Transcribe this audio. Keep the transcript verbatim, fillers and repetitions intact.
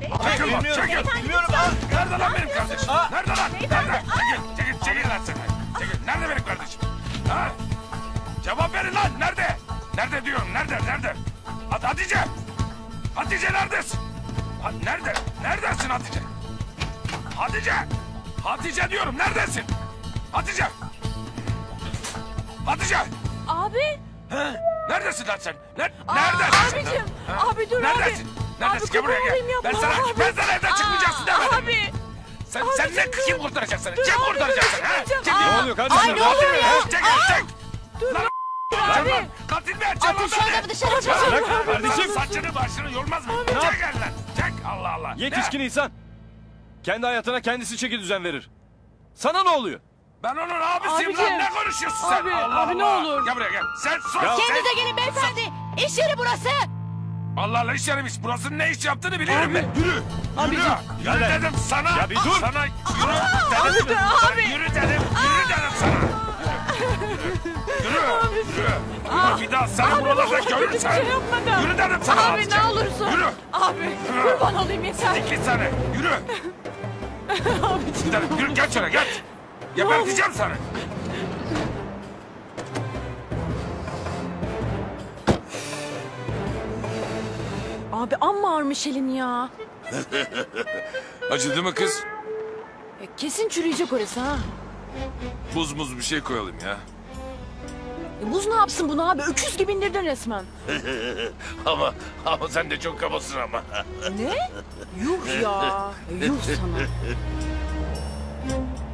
Çekil lan, çekil. Bilmiyorum ha. Nerede lan benim kardeşim? Nerede lan? Nerede? Çekil, çekil, çekil lan sen. Çekil. Nerede benim kardeşim? Ha? Cevap verin lan. Nerede? Nerede diyorum? Nerede? Nerede? Hat Hatice. Hatice neredesin? Ha, nerede? Neredesin Hatice? Hatice. Hatice diyorum. Neredesin? Hatice. Hatice. Abi. He? Neredesin lan sen? Ne, Aa, neredesin sen? abicim, Ha? abi dur Neredesin? abi. Neredesin? Abi, Gel buraya kurban olayım, gel. yapma Ben sana, abi. ben sana evden çıkmayacaksın Aa, demedim. Abi. Sen, Abi, sen ne dur. kim kurtaracak seni? Dur Kim abi, kurtaracak dur, seni? Ha? çıkmayacağım. Çekil. Aa, Ne oluyor kardeşim? Ay ne oluyor ya? Çekil, çek. Dur. Lan Dur Can abi. lan, katil mi edeceksin lan Atın şu beni? adamı dışarı çıkın. Bırak kardeşim. Saçını başını yormaz mı? Ne yap- Çek el lan. Çek Allah Allah. Yetişkin Ne? insan. Kendi hayatına kendisi çeki düzen verir. Sana ne oluyor? Ben onun abisiyim Abicim. lan. Ne konuşuyorsun sen? Abi, Allah abi ne Allah. olur. Gel buraya gel. Sen sus. Ya- sen- Kendinize gelin beyefendi. İş yeri burası. Allah Allah iş yeriymiş. Burasının ne iş yaptığını biliyorum Abi. ben. Yürü. Abicim. Yürü. Gel Yürü lan. dedim sana. Ya bir dur. Sana yürü dedim. Abi dur Sana abi. Yürü dedim. Yürü dedim sana. Yürü. Yürü. Yürü. Yürü. Bir daha seni buralarda görürüm Bir sen. şey yapmadım. Yürü dedim sana. Abi Hatice. ne olursun. Yürü. Abi kurban olayım yeter. İki sene. Yürü. Abicim. Gidelim. Yürü. Geç şöyle geç. Geberteceğim seni. Abi amma ağırmış elin ya. Acıdı mı kız? E, kesin çürüyecek orası ha. Buz muz bir şey koyalım ya. E, buz ne yapsın bunu abi? Öküz gibi indirdin resmen. Ama ama sen de çok kabasın ama. Ne? Yuh ya. Yuh sana.